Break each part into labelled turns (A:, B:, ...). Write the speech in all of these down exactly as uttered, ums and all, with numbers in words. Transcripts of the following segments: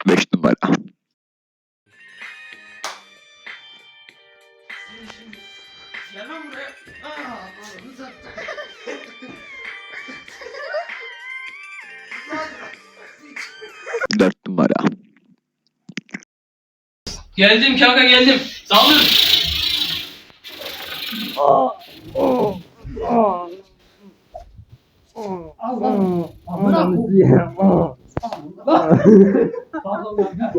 A: Beş numara.
B: Gel lan buraya. Aa, oğlum sattı.
A: Dört numara.
B: Geldim kanka geldim. Saldır. Allah. Bırak. Pardon kanka.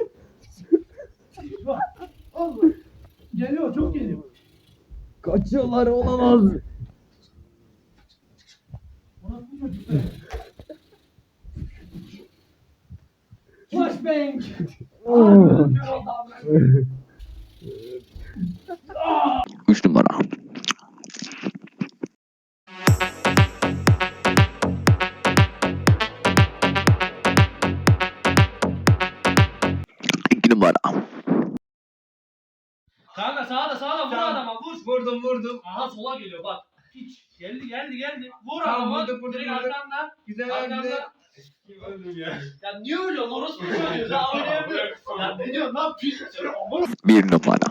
B: Allah. Geliyor çok geliyor.
C: Kaçıyorlar olamaz.
B: Orası bu çocuklar. Flashbang.
A: Üç numara. İki numara.
B: Kanka sağda sağda vur
D: Tamam.
B: adama vur.
D: Vurdum vurdum.
B: Aha sola geliyor bak. Hiç. Geldi geldi geldi. Vur
D: Tamam,
B: adama.
D: vurdum, vurdum,
B: Direkt
D: vurdum.
B: arkandan.
D: Güzel
B: Arkamda.
D: güzel. Kim öldüm ya?
B: Ya niye öyle lan? Orası mı söylüyor? Daha oynayamıyor. Ya ne diyorsun lan? Pis.
A: Bir numara.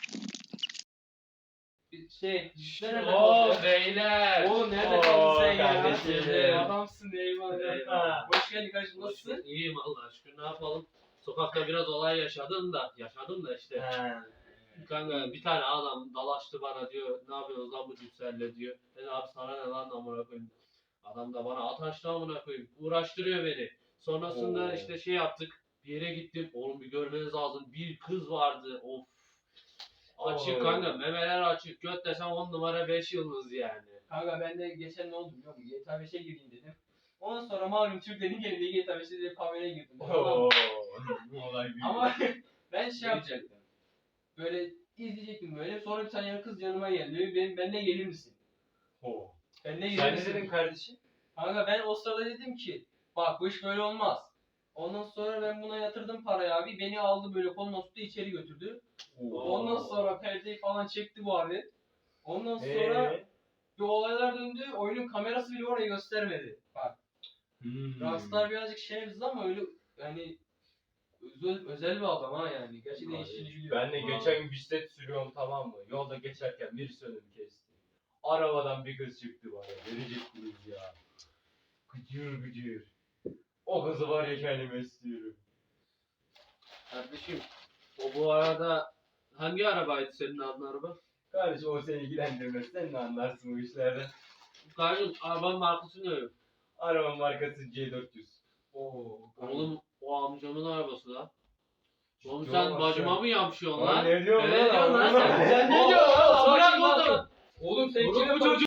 B: Şey.
D: Oo beyler.
B: Oğlum nerede
D: Oo,
B: kaldın sen ya?
D: kardeşim.
B: Adamsın eyvallah.
D: Eyvallah.
B: Hoş geldin kardeşim nasılsın?
E: İyiyim Allah aşkına, ne yapalım? Sokakta biraz olay yaşadım da, yaşadım da işte.
D: He.
E: Kanka bir tane adam dalaştı bana, diyor ne yapıyorsunuz lan bu cüsserle diyor. Ben abi sana ne lan amına koyayım. Adam da bana ataştı amına koyayım. Uğraştırıyor beni. Sonrasında
D: Oo.
E: işte şey yaptık. Bir yere gittim. Oğlum bir görmeniz lazım. Bir kız vardı. Of. Açık
D: Oo.
E: kanka. Memeler açık. Göt desem on numara beş yıldız yani.
B: Kanka ben de geçen ne oldu biliyor musun? G T A beşe gireyim dedim. Ondan sonra malum Türklerin geldiği G T A beşte de kameraya girdim.
D: Oo. Bu olay büyük.
B: Ama ben şey yapacaktım. Böyle izleyecektim böyle. Sonra bir tane kız yanıma geldi. Diyor, benim benimle gelir misin?
D: Oo.
B: Benimle gelir
D: Sen ne
B: misin?
D: dedin kardeşim?
B: Kanka ben o sırada dedim ki bak bu iş böyle olmaz. Ondan sonra ben buna yatırdım parayı abi. Beni aldı böyle koluna tuttu içeri götürdü. Ondan sonra perdeyi falan çekti bu alet. Ondan sonra
D: Eee?
B: bir olaylar döndü. Oyunun kamerası bile orayı göstermedi. Bak
D: Hmm.
B: Rockstar birazcık şerefsiz ama öyle yani özel, özel bir adam ha yani. Gerçekten işini biliyor.
D: Ben de geçen gün bisiklet sürüyorum, tamam mı? Yolda geçerken birisi önümü kesti. Arabadan bir kız çıktı bana. Verecek kız ya. Gıcır gıcır. O kızı var ya kendime istiyorum.
E: Kardeşim o bu arada hangi arabaydı senin adın araba?
D: Kardeşim o seni ilgilendirmez. Sen ne anlarsın bu işlerden?
E: Kardeşim arabanın markası ne?
D: Araba markası C dört yüz.
B: Oo.
E: Oğlum o amcamın arabası da. Oğlum
D: Yo,
E: sen
D: bak
E: bacıma
D: sen-
E: mı yapışıyorsun
D: Lan
E: lan?
D: ne diyorsun
E: Ne
D: lan?
E: diyorsun lan sen?